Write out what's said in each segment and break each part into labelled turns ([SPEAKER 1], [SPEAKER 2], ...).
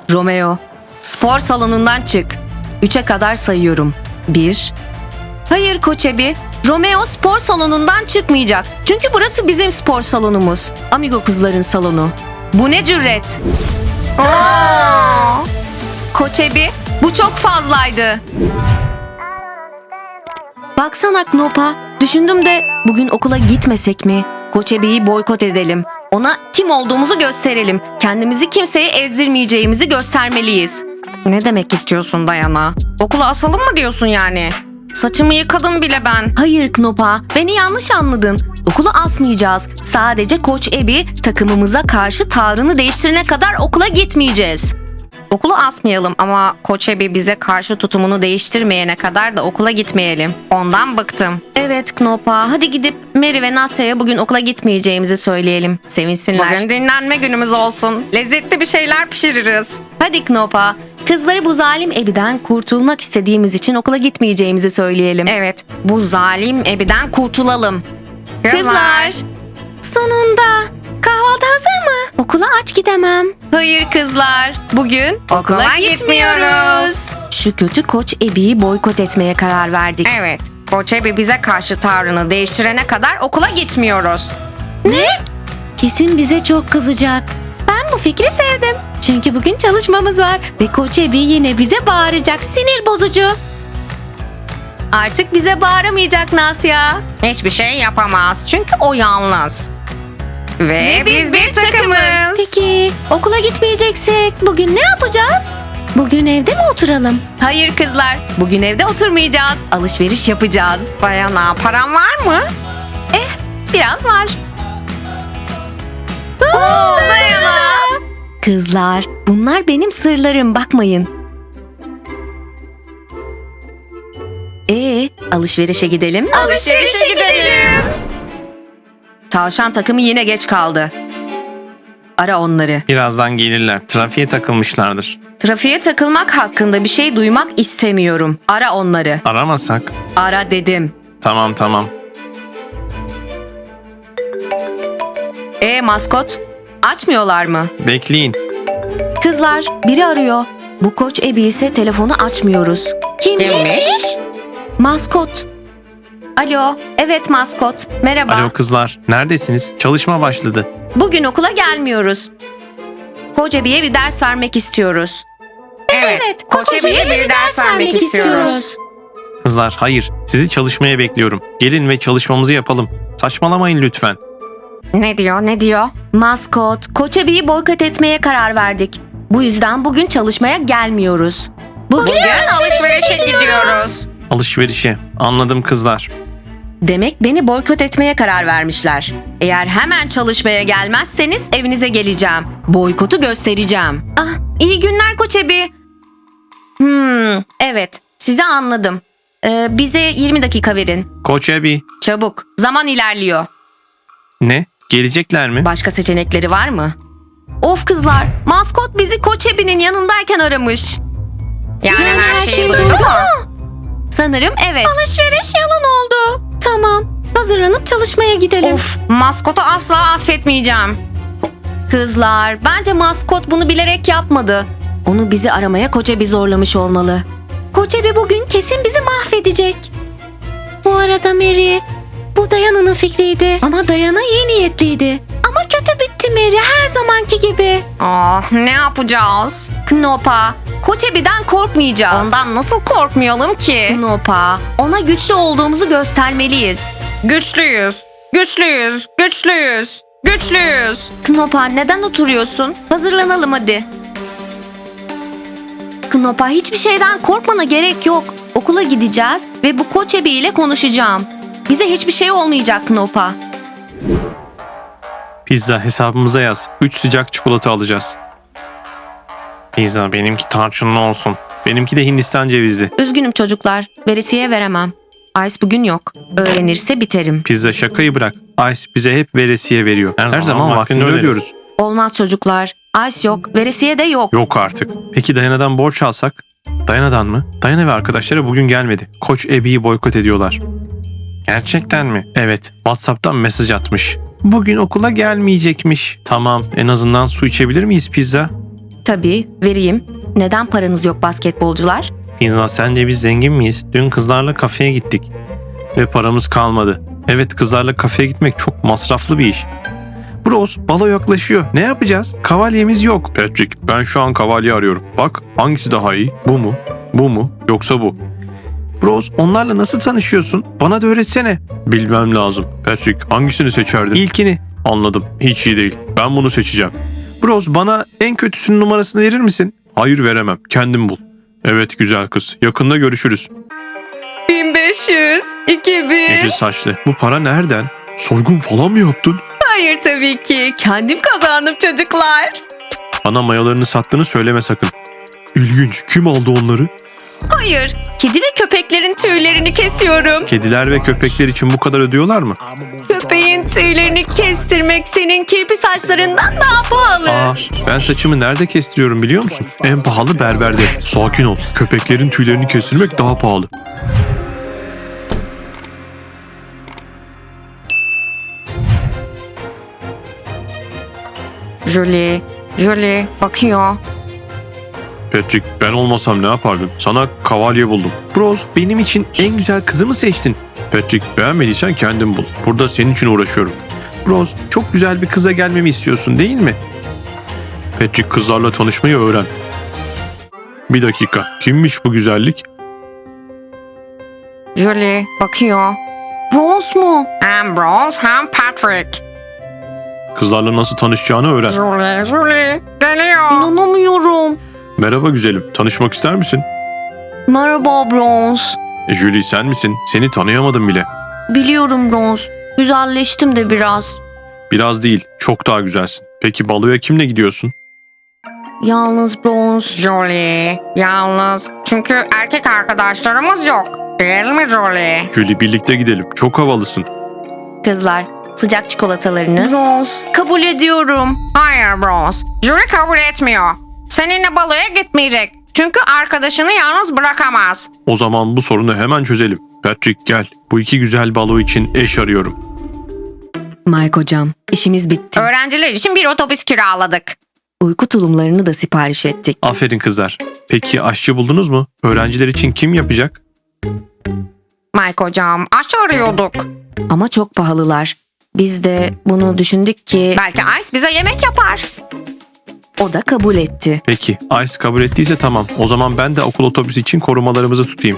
[SPEAKER 1] Romeo, spor salonundan çık. 3'e kadar sayıyorum. 1. Hayır Koç Ebi, Romeo spor salonundan çıkmayacak. Çünkü burası bizim spor salonumuz. Amigo kızların salonu. Bu ne cüret? Koç Ebi, bu çok fazlaydı. Baksana Knopa, düşündüm de bugün okula gitmesek mi? Koç Ebi'yi boykot edelim. Ona kim olduğumuzu gösterelim. Kendimizi kimseye ezdirmeyeceğimizi göstermeliyiz. Ne demek istiyorsun Dayana? Okula asalım mı diyorsun yani? Saçımı yıkadım bile ben. Hayır Knopa, beni yanlış anladın. Okulu asmayacağız. Sadece Koç Ebi takımımıza karşı tavrını değiştirene kadar okula gitmeyeceğiz. Okulu asmayalım ama Koç Ebi bize karşı tutumunu değiştirmeyene kadar da okula gitmeyelim. Ondan bıktım. Evet Knopa, hadi gidip Mary ve Nasya'ya bugün okula gitmeyeceğimizi söyleyelim. Sevinsinler. Bugün dinlenme günümüz olsun. Lezzetli bir şeyler pişiririz. Hadi Knopa, kızları bu zalim Ebi'den kurtulmak istediğimiz için okula gitmeyeceğimizi söyleyelim. Evet, bu zalim Ebi'den kurtulalım. Kızlar! Sonunda! Kahvaltı hazır mı? Okula aç gidemem. Hayır kızlar. Bugün okula gitmiyoruz. Şu kötü Koç Ebi'yi boykot etmeye karar verdik. Evet. Koç Ebi bize karşı tavrını değiştirene kadar okula gitmiyoruz. Ne? Kesin bize çok kızacak. Ben bu fikri sevdim. Çünkü bugün çalışmamız var ve Koç Ebi yine bize bağıracak. Sinir bozucu. Artık bize bağıramayacak Nasya. Hiçbir şey yapamaz çünkü o yalnız. Ve biz bir takımız. Peki okula gitmeyeceksek bugün ne yapacağız? Bugün evde mi oturalım? Hayır kızlar, bugün evde oturmayacağız. Alışveriş yapacağız. Dayana, param var mı? Biraz var. Dayana. Kızlar, bunlar benim sırlarım, bakmayın. Alışverişe gidelim. Alışverişe gidelim. Tavşan takımı yine geç kaldı. Ara onları.
[SPEAKER 2] Birazdan gelirler. Trafiğe takılmışlardır.
[SPEAKER 1] Trafiğe takılmak hakkında bir şey duymak istemiyorum. Ara onları.
[SPEAKER 2] Aramasak?
[SPEAKER 1] Ara dedim.
[SPEAKER 2] Tamam.
[SPEAKER 1] Maskot? Açmıyorlar mı?
[SPEAKER 2] Bekleyin.
[SPEAKER 1] Kızlar, biri arıyor. Bu Koç Ebi ise telefonu açmıyoruz. Kimmiş? Maskot. Alo, evet Maskot. Merhaba.
[SPEAKER 2] Alo kızlar. Neredesiniz? Çalışma başladı.
[SPEAKER 1] Bugün okula gelmiyoruz. Koç Ebi'ye bir ders vermek istiyoruz. Evet, Koç Ebi'ye bir ders vermek istiyoruz.
[SPEAKER 2] Kızlar hayır. Sizi çalışmaya bekliyorum. Gelin ve çalışmamızı yapalım. Saçmalamayın lütfen.
[SPEAKER 1] Ne diyor? Maskot, Koç Ebi'yi boykot etmeye karar verdik. Bu yüzden bugün çalışmaya gelmiyoruz. Bugün alışverişe gidiyoruz.
[SPEAKER 2] Alışverişe. Anladım kızlar.
[SPEAKER 1] Demek beni boykot etmeye karar vermişler. Eğer hemen çalışmaya gelmezseniz evinize geleceğim. Boykotu göstereceğim. İyi günler Koç Ebi. Evet, sizi anladım. Bize 20 dakika verin.
[SPEAKER 2] Koç Ebi.
[SPEAKER 1] Çabuk, zaman ilerliyor.
[SPEAKER 2] Ne? Gelecekler mi?
[SPEAKER 1] Başka seçenekleri var mı? Of kızlar, maskot bizi Koç Ebi'nin yanındayken aramış. Yani her şeyi duydu mu? Sanırım evet. Alışveriş yalan oldu. Tamam, hazırlanıp çalışmaya gidelim. Of, maskotu asla affetmeyeceğim. Kızlar, bence maskot bunu bilerek yapmadı. Onu bizi aramaya Koç Ebi zorlamış olmalı. Koç Ebi bugün kesin bizi mahvedecek. Bu arada Mary, bu Dayana'nın fikriydi. Ama Dayana iyi niyetliydi. Ama kötü bitti Mary, her zamanki gibi. Ne yapacağız? Knopa, Koç Ebi'den korkmayacağız. Ondan nasıl korkmayalım ki? Knopa, ona güçlü olduğumuzu göstermeliyiz. Güçlüyüz. Knopa, neden oturuyorsun? Hazırlanalım hadi. Knopa, hiçbir şeyden korkmana gerek yok. Okula gideceğiz ve bu Koç Ebi ile konuşacağım. Bize hiçbir şey olmayacak Knopa.
[SPEAKER 2] Pizza hesabımıza yaz. 3 sıcak çikolata alacağız. Pizza benimki tarçınlı olsun. Benimki de Hindistan cevizli.
[SPEAKER 1] Üzgünüm çocuklar. Veresiye veremem. Ice bugün yok. Öğrenirse biterim.
[SPEAKER 2] Pizza şakayı bırak. Ice bize hep veresiye veriyor. Her zaman vaktinde ödüyoruz.
[SPEAKER 1] Olmaz çocuklar. Ice yok. Veresiye de yok.
[SPEAKER 2] Yok artık. Peki Dayana'dan borç alsak? Dayana'dan mı? Dayana ve arkadaşları bugün gelmedi. Koç Ebi'yi boykot ediyorlar. Gerçekten mi? Evet. WhatsApp'tan mesaj atmış. Bugün okula gelmeyecekmiş. Tamam. En azından su içebilir miyiz pizza?
[SPEAKER 1] Tabii, vereyim. Neden paranız yok basketbolcular?
[SPEAKER 2] Pizza, sence biz zengin miyiz? Dün kızlarla kafeye gittik. Ve paramız kalmadı. Evet, kızlarla kafeye gitmek çok masraflı bir iş. Bros, balo yaklaşıyor. Ne yapacağız? Kavalyemiz yok. Patrick, ben şu an kavalye arıyorum. Bak, hangisi daha iyi? Bu mu? Bu mu? Yoksa bu? Bros, onlarla nasıl tanışıyorsun? Bana da öğretsene. Bilmem lazım. Patrick, hangisini seçerdin? İlkini. Anladım. Hiç iyi değil. Ben bunu seçeceğim. Bros, bana en kötüsünün numarasını verir misin? Hayır, veremem. Kendin bul. Evet güzel kız. Yakında görüşürüz.
[SPEAKER 1] 1500, 2000.
[SPEAKER 2] Yeşil saçlı. Bu para nereden? Soygun falan mı yaptın?
[SPEAKER 1] Hayır tabii ki. Kendim kazandım çocuklar.
[SPEAKER 2] Bana mayolarını sattığını söyleme sakın. İlginç. Kim aldı onları?
[SPEAKER 1] Hayır. Kedi ve köpeklerin tüylerini kesiyorum.
[SPEAKER 2] Kediler ve köpekler için bu kadar ödüyorlar mı?
[SPEAKER 1] Köpeğin tüylerini kestirmek senin kirpi saçlarından daha pahalı.
[SPEAKER 2] Aa, ben saçımı nerede kestiriyorum biliyor musun? En pahalı berberde. Sakin ol. Köpeklerin tüylerini kestirmek daha pahalı.
[SPEAKER 1] Julie bakıyor.
[SPEAKER 2] Patrick, ben olmasam ne yapardın? Sana kavalye buldum. Bros, benim için en güzel kızı mı seçtin? Patrick, beğenmediysen kendin bul. Burada senin için uğraşıyorum. Bros, çok güzel bir kıza gelmemi istiyorsun değil mi? Patrick, kızlarla tanışmayı öğren. Bir dakika, kimmiş bu güzellik?
[SPEAKER 1] Julie bakıyor. Bronze mu? Hem Bronze hem Patrick.
[SPEAKER 2] Kızlarla nasıl tanışacağını öğren.
[SPEAKER 1] Julie geliyor. İnanamıyorum.
[SPEAKER 2] Merhaba güzelim, tanışmak ister misin?
[SPEAKER 1] Merhaba Bronze.
[SPEAKER 2] Julie sen misin? Seni tanıyamadım bile.
[SPEAKER 1] Biliyorum Bronze. Güzelleştim de biraz.
[SPEAKER 2] Biraz değil, çok daha güzelsin. Peki baloya kimle gidiyorsun?
[SPEAKER 1] Yalnız Bronze. Julie yalnız. Çünkü erkek arkadaşlarımız yok. Değil mi Julie?
[SPEAKER 2] Julie, birlikte gidelim, çok havalısın.
[SPEAKER 1] Kızlar sıcak çikolatalarınız. Bronze kabul ediyorum. Hayır Bronze. Julie kabul etmiyor. Seninle baloya gitmeyecek. Çünkü arkadaşını yalnız bırakamaz.
[SPEAKER 2] O zaman bu sorunu hemen çözelim. Patrick gel, bu iki güzel balo için eş arıyorum.
[SPEAKER 1] Mike hocam, işimiz bitti. Öğrenciler için bir otobüs kiraladık. Uyku tulumlarını da sipariş ettik.
[SPEAKER 2] Aferin kızlar. Peki aşçı buldunuz mu? Öğrenciler için kim yapacak?
[SPEAKER 1] Mike hocam, aşçı arıyorduk. Ama çok pahalılar. Biz de bunu düşündük ki... Belki Ice bize yemek yapar. O da kabul etti.
[SPEAKER 2] Peki, Ice kabul ettiyse tamam. O zaman ben de okul otobüsü için korumalarımızı tutayım.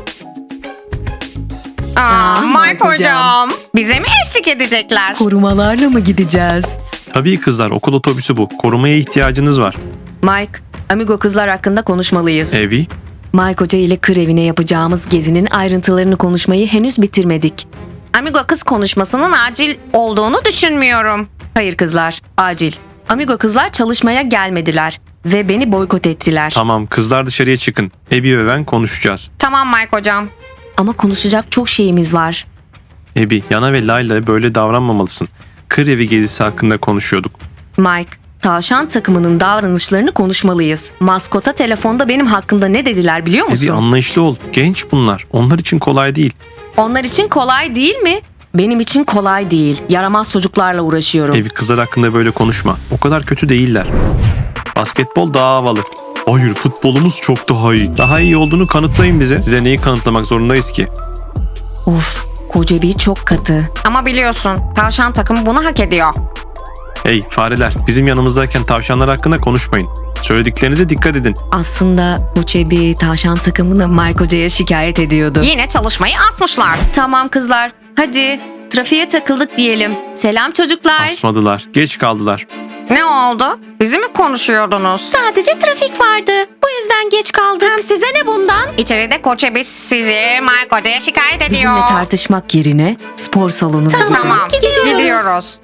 [SPEAKER 1] Mike hocam. Bize mi eşlik edecekler?
[SPEAKER 3] Korumalarla mı gideceğiz?
[SPEAKER 2] Tabii kızlar, okul otobüsü bu. Korumaya ihtiyacınız var.
[SPEAKER 1] Mike, Amigo kızlar hakkında konuşmalıyız.
[SPEAKER 2] Evi?
[SPEAKER 1] Mike Hoca ile kır evine yapacağımız gezinin ayrıntılarını konuşmayı henüz bitirmedik. Amigo kız konuşmasının acil olduğunu düşünmüyorum. Hayır kızlar, acil. Amigo kızlar çalışmaya gelmediler ve beni boykot ettiler.
[SPEAKER 2] Tamam, kızlar dışarıya çıkın. Ebi ve ben konuşacağız.
[SPEAKER 1] Tamam Mike hocam. Ama konuşacak çok şeyimiz var.
[SPEAKER 2] Ebi, Yana ve Layla böyle davranmamalısın. Kır evi gezisi hakkında konuşuyorduk.
[SPEAKER 1] Mike, tavşan takımının davranışlarını konuşmalıyız. Maskota telefonda benim hakkımda ne dediler biliyor musun?
[SPEAKER 2] Ebi, anlayışlı ol. Genç bunlar. Onlar için kolay değil.
[SPEAKER 1] Onlar için kolay değil mi? Benim için kolay değil. Yaramaz çocuklarla uğraşıyorum.
[SPEAKER 2] Ebi, kızlar hakkında böyle konuşma. O kadar kötü değiller. Basketbol daha havalı. Hayır, futbolumuz çok daha iyi. Daha iyi olduğunu kanıtlayın bize. Size neyi kanıtlamak zorundayız ki?
[SPEAKER 1] Of, koca bir çok katı. Ama biliyorsun, tavşan takımı bunu hak ediyor.
[SPEAKER 2] Hey fareler, bizim yanımızdayken tavşanlar hakkında konuşmayın. Söylediklerinize dikkat edin.
[SPEAKER 1] Aslında Koçebi tavşan takımını Mike Hoca'ya şikayet ediyordu. Yine çalışmayı asmışlar. Tamam kızlar, hadi trafiğe takıldık diyelim. Selam çocuklar.
[SPEAKER 2] Asmadılar, geç kaldılar.
[SPEAKER 1] Ne oldu? Bizi mi konuşuyordunuz? Sadece trafik vardı. Bu yüzden geç kaldım. Hem size ne bundan? İçeride Koçebi sizi Mike Hoca'ya şikayet ediyor.
[SPEAKER 3] Bizimle tartışmak yerine spor salonuna gidin.
[SPEAKER 1] Tamam, gidiyoruz.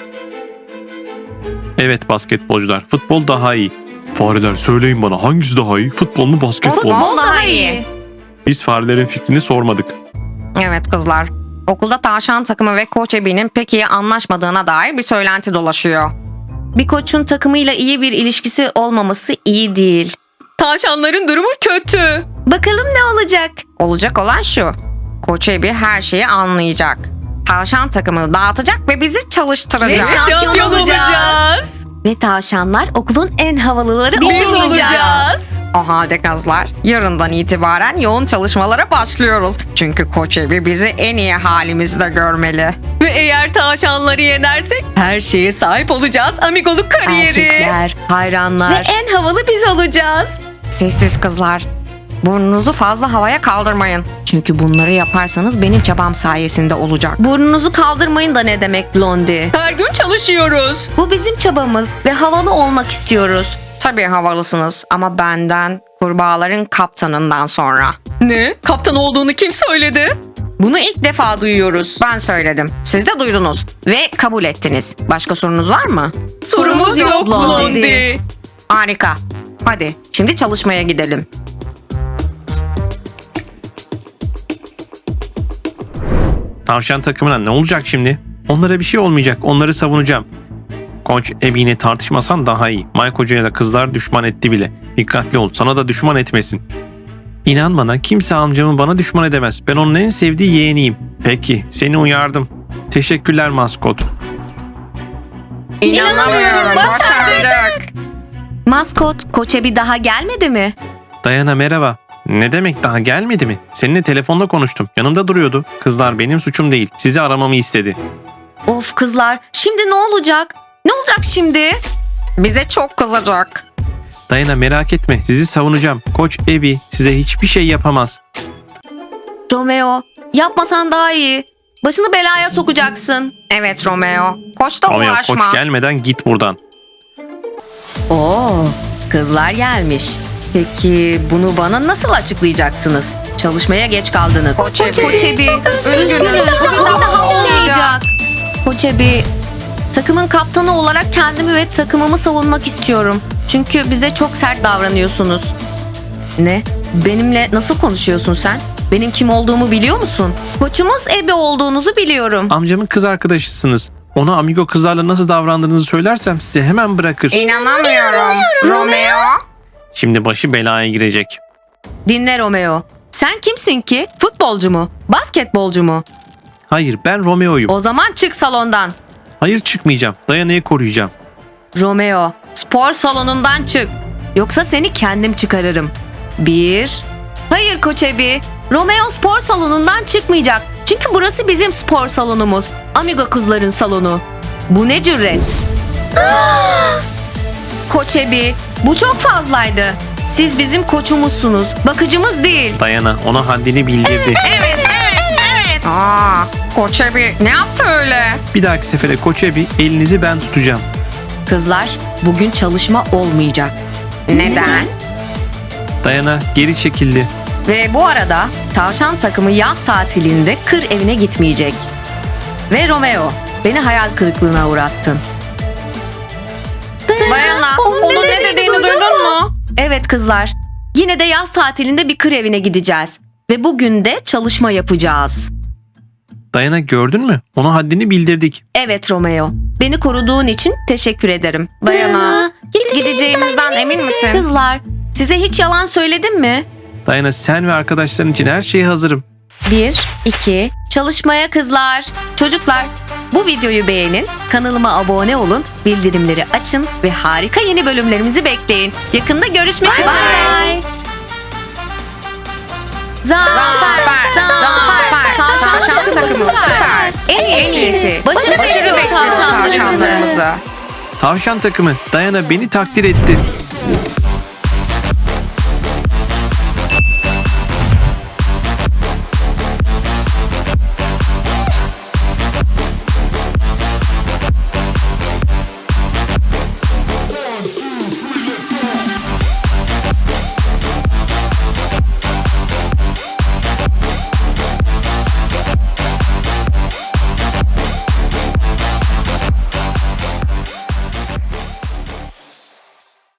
[SPEAKER 2] Evet basketbolcular, futbol daha iyi. Fareler söyleyin bana, hangisi daha iyi? Futbol mu, basketbol mu?
[SPEAKER 1] Futbol daha iyi.
[SPEAKER 2] Biz farelerin fikrini sormadık.
[SPEAKER 1] Evet kızlar. Okulda tavşan takımı ve Koç Ebi'nin pek iyi anlaşmadığına dair bir söylenti dolaşıyor. Bir koçun takımıyla iyi bir ilişkisi olmaması iyi değil. Tavşanların durumu kötü. Bakalım ne olacak? Olacak olan şu. Koç Ebi her şeyi anlayacak. Tavşan takımını dağıtacak ve bizi çalıştıracak.
[SPEAKER 3] Şampiyon olacağız.
[SPEAKER 1] Ve tavşanlar okulun en havalıları
[SPEAKER 3] Biz
[SPEAKER 1] olacağız.
[SPEAKER 3] olacağız.
[SPEAKER 4] O halde kızlar, yarından itibaren yoğun çalışmalara başlıyoruz. Çünkü Koç Ebi bizi en iyi halimizde görmeli.
[SPEAKER 3] Ve eğer tavşanları yenersek her şeye sahip olacağız. Amigoluk kariyeri.
[SPEAKER 1] Erkekler, hayranlar.
[SPEAKER 3] Ve en havalı biz olacağız.
[SPEAKER 4] Sessiz kızlar. Burnunuzu fazla havaya kaldırmayın. Çünkü bunları yaparsanız benim çabam sayesinde olacak.
[SPEAKER 1] Burnunuzu kaldırmayın da ne demek Blondie?
[SPEAKER 3] Her gün çalışıyoruz.
[SPEAKER 1] Bu bizim çabamız ve havalı olmak istiyoruz.
[SPEAKER 4] Tabii havalısınız ama benden, kurbağaların kaptanından sonra.
[SPEAKER 3] Ne? Kaptan olduğunu kim söyledi?
[SPEAKER 1] Bunu ilk defa duyuyoruz.
[SPEAKER 4] Ben söyledim. Siz de duydunuz ve kabul ettiniz. Başka sorunuz var mı?
[SPEAKER 3] Sorumuz yok Blondie.
[SPEAKER 4] Harika. Hadi şimdi çalışmaya gidelim.
[SPEAKER 2] Tavşan takımına ne olacak şimdi? Onlara bir şey olmayacak. Onları savunacağım. Koç Ebi'yle tartışmasan daha iyi. Mike Hoca'ya da kızlar düşman etti bile. Dikkatli ol. Sana da düşman etmesin. İnan bana kimse amcamı bana düşman edemez. Ben onun en sevdiği yeğeniyim. Peki seni uyardım. Teşekkürler maskot.
[SPEAKER 3] İnanamıyorum, başardık.
[SPEAKER 1] Maskot, Koçe bir daha gelmedi mi?
[SPEAKER 2] Dayana merhaba. Ne demek daha gelmedi mi? Seninle telefonda konuştum. Yanımda duruyordu. Kızlar benim suçum değil. Sizi aramamı istedi.
[SPEAKER 1] Of kızlar, şimdi ne olacak? Ne olacak şimdi?
[SPEAKER 4] Bize çok kızacak.
[SPEAKER 2] Dayana merak etme. Sizi savunacağım. Koç Ebi size hiçbir şey yapamaz.
[SPEAKER 1] Romeo, yapmasan daha iyi. Başını belaya sokacaksın.
[SPEAKER 4] Evet Romeo. Koçla
[SPEAKER 2] Romeo
[SPEAKER 4] uğraşma.
[SPEAKER 2] koç gelmeden git buradan.
[SPEAKER 1] Oo, kızlar gelmiş. Peki bunu bana nasıl açıklayacaksınız? Çalışmaya geç kaldınız.
[SPEAKER 4] Koçebi,
[SPEAKER 1] Üzgünüm. Bir daha olmayacak. Koçebi, takımın kaptanı olarak kendimi ve takımımı savunmak istiyorum. Çünkü bize çok sert davranıyorsunuz. Ne? Benimle nasıl konuşuyorsun sen? Benim kim olduğumu biliyor musun? Koçumuz Ebi olduğunuzu biliyorum.
[SPEAKER 2] Amcamın kız arkadaşısınız. Ona amigo kızlarla nasıl davrandığınızı söylersem size hemen bırakır.
[SPEAKER 4] İnanamıyorum. Romeo.
[SPEAKER 2] Şimdi başı belaya girecek.
[SPEAKER 1] Dinle Romeo. Sen kimsin ki? Futbolcu mu? Basketbolcu mu?
[SPEAKER 2] Hayır ben Romeo'yum.
[SPEAKER 1] O zaman çık salondan.
[SPEAKER 2] Hayır çıkmayacağım. Dayana'yı koruyacağım.
[SPEAKER 1] Romeo, spor salonundan çık. Yoksa seni kendim çıkarırım. Hayır Koç Ebi. Romeo spor salonundan çıkmayacak. Çünkü burası bizim spor salonumuz. Amigo kızların salonu. Bu ne cüret? Koç Ebi, bu çok fazlaydı. Siz bizim koçumuzsunuz. Bakıcımız değil.
[SPEAKER 2] Dayana ona haddini bildirdi.
[SPEAKER 1] Evet.
[SPEAKER 4] Aa, Koçebi ne yaptı öyle?
[SPEAKER 2] Bir dahaki sefere Koç Ebi elinizi ben tutacağım.
[SPEAKER 1] Kızlar, bugün çalışma olmayacak.
[SPEAKER 4] Neden?
[SPEAKER 2] Dayana geri çekildi.
[SPEAKER 1] Ve bu arada tavşan takımı yaz tatilinde kır evine gitmeyecek. Ve Romeo, beni hayal kırıklığına uğrattın.
[SPEAKER 4] Dayana, onun ne dediğini duydun mu?
[SPEAKER 1] Evet kızlar, yine de yaz tatilinde bir kır evine gideceğiz. Ve bugün de çalışma yapacağız.
[SPEAKER 2] Dayana gördün mü? Ona haddini bildirdik.
[SPEAKER 1] Evet Romeo, beni koruduğun için teşekkür ederim.
[SPEAKER 4] Dayana, gideceğimizden emin misin?
[SPEAKER 1] Kızlar, size hiç yalan söyledim mi?
[SPEAKER 2] Dayana sen ve arkadaşların için her şeye hazırım.
[SPEAKER 1] 1, 2, çalışmaya kızlar. Çocuklar, bu videoyu beğenin, kanalıma abone olun, bildirimleri açın ve harika yeni bölümlerimizi bekleyin. Yakında görüşmek üzere. Bye. Zafer.
[SPEAKER 4] Tavşan takımı süper. En iyisi.
[SPEAKER 1] Başarı bekliyoruz
[SPEAKER 4] bekliyoruz
[SPEAKER 1] tavşanlarımızı.
[SPEAKER 4] tavşanlarımızı.
[SPEAKER 2] Tavşan takımı Dayana beni takdir etti.